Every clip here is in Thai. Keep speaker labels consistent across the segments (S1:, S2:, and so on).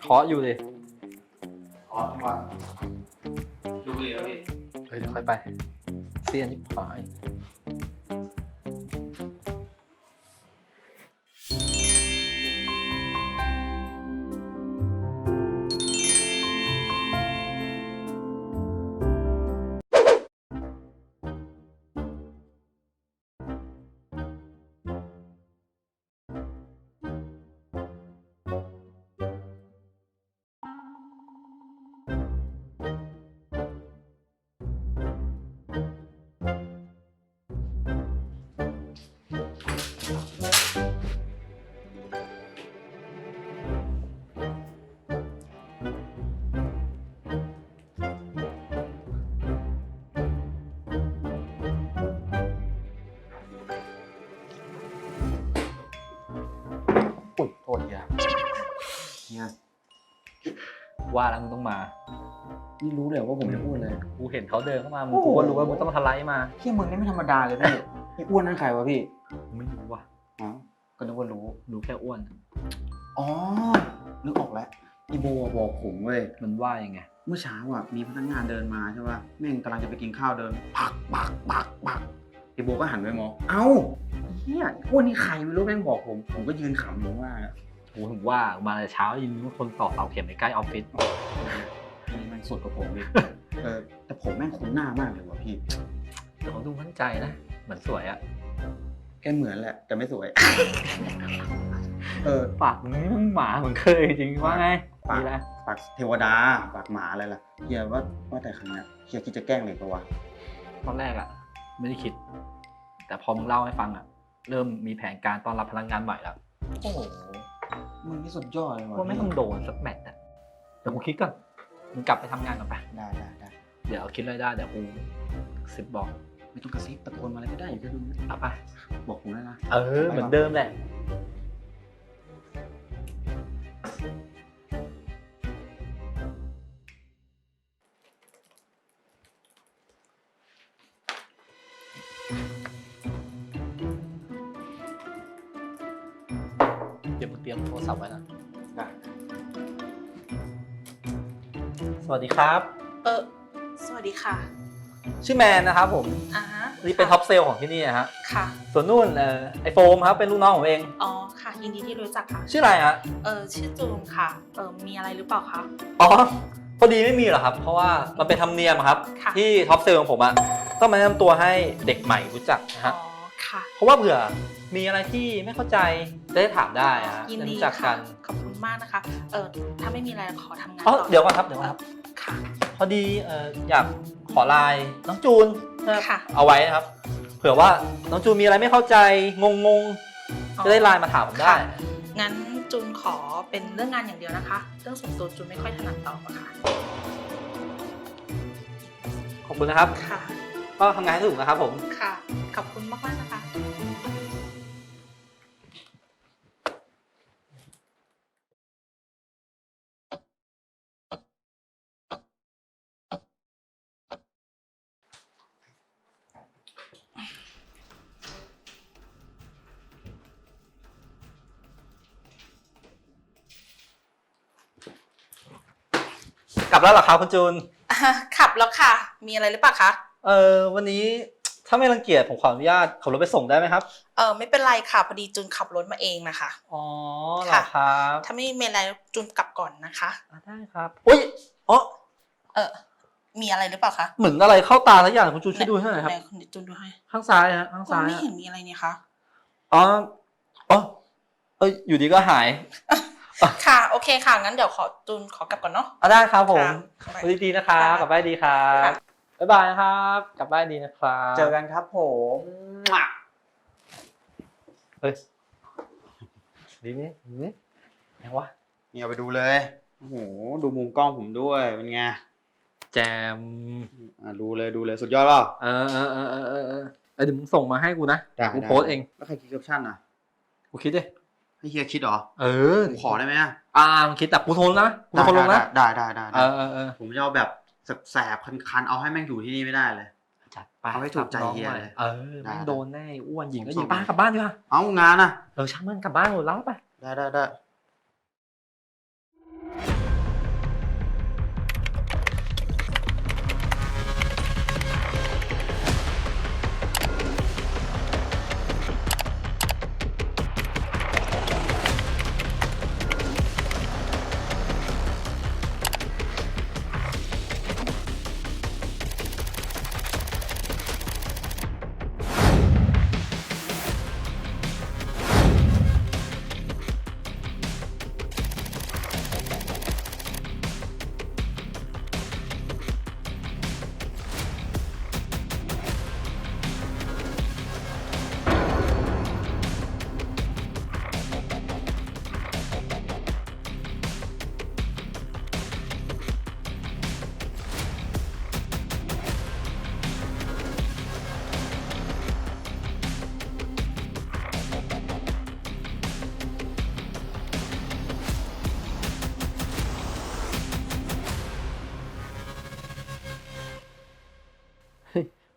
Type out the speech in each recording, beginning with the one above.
S1: าะอยู่เลย
S2: อ๋อทั้งวันดูเลยครับพี่
S1: เฮ้ยเดี๋ยวค่อยไปเสี้ยนที่ขวายอุ๊ยโทษทีครับเนี่ยว่าแล้วมึงต้องมา
S2: นี่รู้เลยว่าผมจะพูดเลย
S1: กูเห็นเขาเดินเข้ามามึงกูก็รู้ว่ามึงต้องทะไลมา
S2: พี่มึงนี่ไม่ธรรมดาเลยพี่พี่อ้วนนั่นใครวะพี่
S1: ไม่รู้ว่ะ
S2: อ๋อก็นึกว่ารู้
S1: รู้แค่อ้วน
S2: อ๋อนึกออกแล้วอีโบบอกผมเว้ย
S1: มันว่ายังไง
S2: เมื่อเช้าอ่ะมีพนักงานเดินมาใช่ป่ะแม่งกำลังจะไปกินข้าวเดินปักอีโบก็หันไปมองเอ้าเฮียอ้วนนี่ใครไม่รู้แม่งบอกผมก็ยืนขำอยู่ว่า
S1: กูถึงว่ามาแต่เช้ายินว่าคนต่อเสาเข็มในใกล้ออฟฟิศ
S2: นี่แม่งสุดกว่าผมอีกแต่ผมแม่งคุ้นหน้ามากเลยว่ะพี่
S1: เดี๋ยวเขาดูมั่นใจนะเหมือนสวยอะ
S2: แกเหมือนแหละแต่ไม่สวย
S1: ปากมึงนี่มึงหมาเหมือนเคยจริงว่าไง
S2: ปาก
S1: มีอะไร
S2: ปากเทวดาปากหมาอะไรล่ะเฮียว่าแต่ครั้งเนี้ยเฮียคิดจะแกล้งเลยปะวะ
S1: ตอนแรกอะไม่ได้คิด แต่พอมึงเล่าให้ฟังอะเริ่มมีแผนการต้อนรับพนักงานใหม่แล้ว
S2: โอ้โหมึงนี่สุดยอดเลยว่ะ
S1: ว่าไม่ต้องโดนสักแมตช์อะเดี๋ยวกูคิดก่อนมึงกลับไปทำงานก่อนไป
S2: ได้
S1: เดี๋ยวคิดอะไรได้เดี๋ยวกูสิบบอก
S2: ไม่ต้องกระซิบตะโกนมาอะไรก็ได้อย่าจะดู
S1: เอาไป
S2: บอกผมได้นะ
S1: เหมือนเดิมแหละเดี๋ยวมึงเตรียมโทรศัพท์ไว้นะ
S2: ได้
S1: สวัสดีครับ
S3: สวัสดีค่ะ
S1: ชื่อแมนนะครับผม
S3: อ่าฮะ
S1: นี่เป็นท็อปเซลล์ของที่นี่นะฮะ
S3: ค่ะ
S1: ส่วนนู่นไอโฟมครับเป็นลูกน้องผมเอง
S3: อ๋อ ค่ะ ยินดีที่รู้จักค่ะ
S1: ชื่ออะไรฮะ
S3: ชื่อจูนค่ะ มีอะไรหรือเปล่าคะ
S1: อ๋อพอดีไม่มีหรอกครับ เพราะว่ามันเป็นธรรมเนียมครับ
S3: ค่ะ
S1: ที่ท็อปเซลล์ของผมอะต้องมาแนะนำตัวให้เด็กใหม่รู้จักนะ
S3: อ๋
S1: ฮะ
S3: อ ค่ะ
S1: เพราะว่าเผื่อมีอะไรที่ไม่เข้าใจจะได้ถามได้อะฮะ
S3: ยิน
S1: จะ
S3: ดี
S1: รู้จักกั
S3: ค่ะ
S1: น
S3: ขอบคุณมากนะคะ ถ้าไม่มีอะไรขอทำงาน
S1: อ๋อ
S3: ต่อ
S1: เดี๋ยวก่อนครับเดี๋ยวก่อนครับ
S3: ค่ะ
S1: พอดีอยากขอไลน์น้องจูนนะครับ
S3: ค่ะ
S1: เอาไว้นะครับ เผื่อว่าน้องจูนมีอะไรไม่เข้าใจงงจะได้ไลน์มาถามผมได้
S3: ค่ะ งั้นจูนขอเป็นเรื่องงานอย่างเดียวนะคะ เรื่องส่วนตัวจูนไม่ค่อยถนัดตอบอะค่ะ
S1: ขอบคุณนะครับ
S3: ค่ะ
S1: ก็ทำงานให้ถูกนะครับผม
S3: ค่ะ ขอบคุณมากๆนะคะ
S1: กลับแล้วเหรอครับคุณจูน
S3: ขับแล้วค่ะ มีอะไรหรือเปล่าคะ
S1: วันนี้ถ้าไม่รังเกียจผมขออนุญาตขับรถไปส่งได้ไหมครับ
S3: ไม่เป็นไรค่ะ พอดีจูนขับรถมาเองนะคะ
S1: อ๋อเหรอครับ
S3: ถ้าไม่มีอะไรจูนกลับก่อนนะคะ
S1: ได้ครับอุ้ยอ๋อ
S3: มีอะไรหรือเปล่าคะ
S1: เหมือนอะไรเข้าตาสักอย่างคุณจูนช่วยดูให้หน่อยครับ
S3: ไหนคุณจูนดูให้
S1: ข้างซ้ายฮะข้าง
S3: ก็
S1: ซ้าย
S3: ไม่
S1: ฮะ
S3: เห็นมีอะไรนี่คะ
S1: อ๋ออยู่ดีก็หาย
S3: ค่ะ โอเคค่ะ งั้นเดี๋ยวจูนขอกลับก่อนเนาะ
S1: ได้ครับผม
S3: ค่ะ
S1: สวัสดีนะครับ
S3: ค่ะ
S1: กลับบ้านดีครับ
S3: ค่ะ
S1: บ๊ายบายนะครับกลับบ้านดีนะครับ
S2: เจอกันครับผม
S1: เฮ้ยดีนี่ยังวะ
S2: นี่เอาไปดูเลยโอ้โหดูมุมกล้องผมด้วยเป็นไง
S1: แจม
S2: ดูเลยสุดยอดเปล่า
S1: เดี๋ยวมึงส่งมาให้กูนะ
S2: ได้
S1: กูโพสต์เอง
S2: แล้วใครคิดแคปชั่นอ่ะ
S1: กูคิดดิ
S2: ให้เฮียคิดเหรอ ผมขอได้ไหมอ่ะ
S1: มึงคิดแต่กูโทรนะกูโทรลงนะ
S2: ได้ ผมจะเอาแบบแสบๆคันๆเอาให้แม่งอยู่ที่นี่ไม่ได้เลย
S1: จัดไป
S2: เอาให้ถูกใจเฮียเลย
S1: แม่งโดนแน่อ้วนหญิงก็หญิง
S2: ผมส่ง
S1: ป้ากลับบ้านดีกว่า
S2: เอางานอ่ะ
S1: ช่างมันกลับบ้านหมดแล้วไป
S2: ได้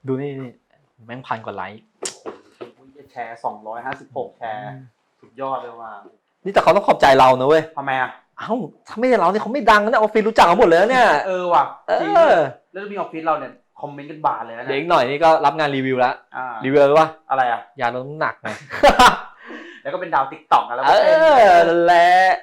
S1: ดูนี่แม่ง1,000 กว่าไลค์
S2: แชร์256แชร์สุดยอดเลยว่ะ
S1: นี่แต่เขาต้องขอบใจเรานะเว้ย
S2: ทำไมอ่ะ
S1: เอ้าถ้าไม่ใช่เราเนี่ยเขาไม่ดังนะออฟฟิศรู้จักเขาหมดเลยนะเนี่ย
S2: ว่ะ
S1: เอ
S2: จริง
S1: อ
S2: แล้วมีออฟฟิศเราเนี่ยคอมเมนต์กันบานเลยนะ
S1: เดี๋ยวอีกหน่อยนี่ก็รับงานรีวิวแล้ว รี
S2: รี
S1: วิวอะไรวะ
S2: อะไรอ่ะ
S1: ยาลดน้ำหนักไง
S2: แล้วก็เป็นดาวติ๊กต็อกแล้ว
S1: เอ
S2: ก็เป็น
S1: อนั่นแหละ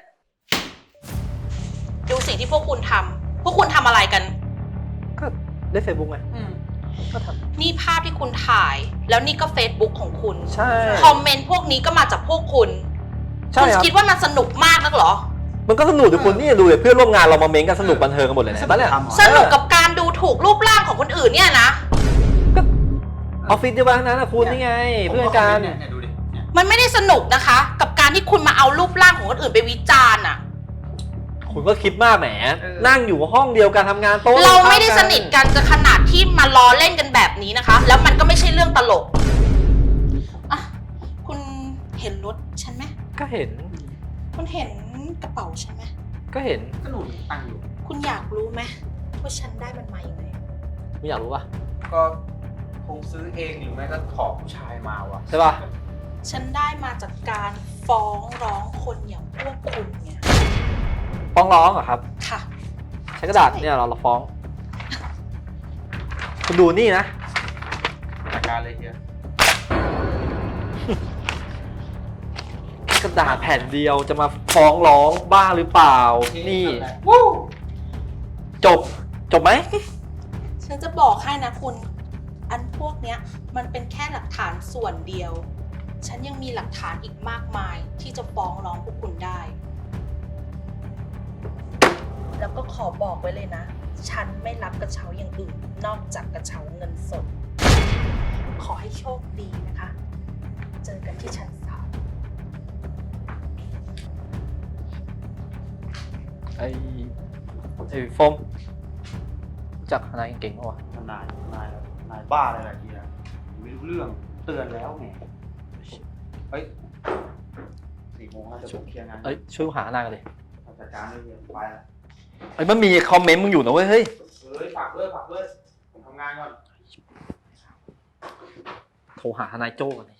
S3: ดูสิ่งที่พวกคุณทำพวกคุณทำอะไรกัน
S1: ก็เล่นเฟซบุ๊กไงก็ท
S3: นี่ภาพที่คุณถ่าย แล้วนี่ก็ Facebook ของคุณ
S1: ำใช่
S3: คอมเมนต์พวกนี้ก็มาจากพวกคุณ
S1: ใช่
S3: คุณ
S1: ครับ
S3: คิดว่ามันสนุกมากนักเหรอ
S1: มันก็สนุกดิคุณนี่ดูเลยเพื่อนร่วมงานเรามาเม้นกันสนุกบันเทิงกันหมดเลยนะบ้านเนี่ย
S3: สนุกกับการดูถูกรูปร่างของคนอื่นเนี่ยนะ
S1: ออฟฟิศเดียวกันนะคุณนี่ไง เพื่อนกัน
S2: เนี่ยดูดิเนี่ย
S3: มันไม่ได้สนุกนะคะ กับการที่คุณมาเอารูปร่างของคนอื่นไปวิจารณ์อะ
S1: คุณก็คิดมากแหมนั่งอยู่ห้องเดียวกันทำงานโต๊ะ
S3: เราไม่ได้สนิทกันจะขนาดที่มาล้อเล่นกันแบบนี้นะคะ แล้วมันก็ไม่ใช่เรื่องตลกอ่ะคุณเห็นรถฉันไหม
S1: ก็เห็น
S3: คุณเห็นกระเป๋าฉันไหม
S1: ก็เห็น
S2: ก็หนูตั้งอยู่
S3: คุณอยากรู้ไหมว่าฉันได้มันมาอย่างไง
S1: ไม่อยากรู้ป่ะ
S2: ก็คงซื้อเองหรือไม่ก็ขอผู้ชายมาว่ะ
S1: ใช่ป่ะ
S3: ฉันได้มาจากการฟ้องร้องคนอย่างพวกคุณไง
S1: ฟ้องร้องเหรอครับ
S3: ค่ะ
S1: ใช้กระดาษเนี่ยเราฟ้อง คุณดูนี่นะ
S2: จัดการเลยเฮีย
S1: กระดาษแผ่นเดียวจะมาฟ้องร้องบ้าหรือเปล่า นี่
S2: วู้
S1: จบไหม
S3: ฉันจะบอกให้นะคุณ อันพวกเนี้ยมันเป็นแค่หลักฐานส่วนเดียว ฉันยังมีหลักฐานอีกมากมายที่จะฟ้องร้องพวกคุณได้ แล้วก็ขอบอกไว้เลยนะ ฉันไม่รับกระเช้าอย่างอื่น นอกจากกระเช้าเงินสด ขอให้โชคดีนะคะ เจอกันที่ชั้น 3
S1: ไอ้โฟมรู้จักนายเก่งปะวะ
S2: นายบ้าอะไรล่ะเฮียไม่รู้เรื่องเตือนแล้วไงเฮ้ย4 โมงแล้วจะผมเคลียร์งาน
S1: เอ้ยช่วยหานายกันเลย
S2: จัดการเลยเฮียไปแล้ว
S1: เอ้ยมันมีคอมเมนต์มึงอยู่นะเว้ยเฮ้ย
S2: ฝากเลยผมทำงานก่อน
S1: โทรหาทนายโจ้ก่อนดิ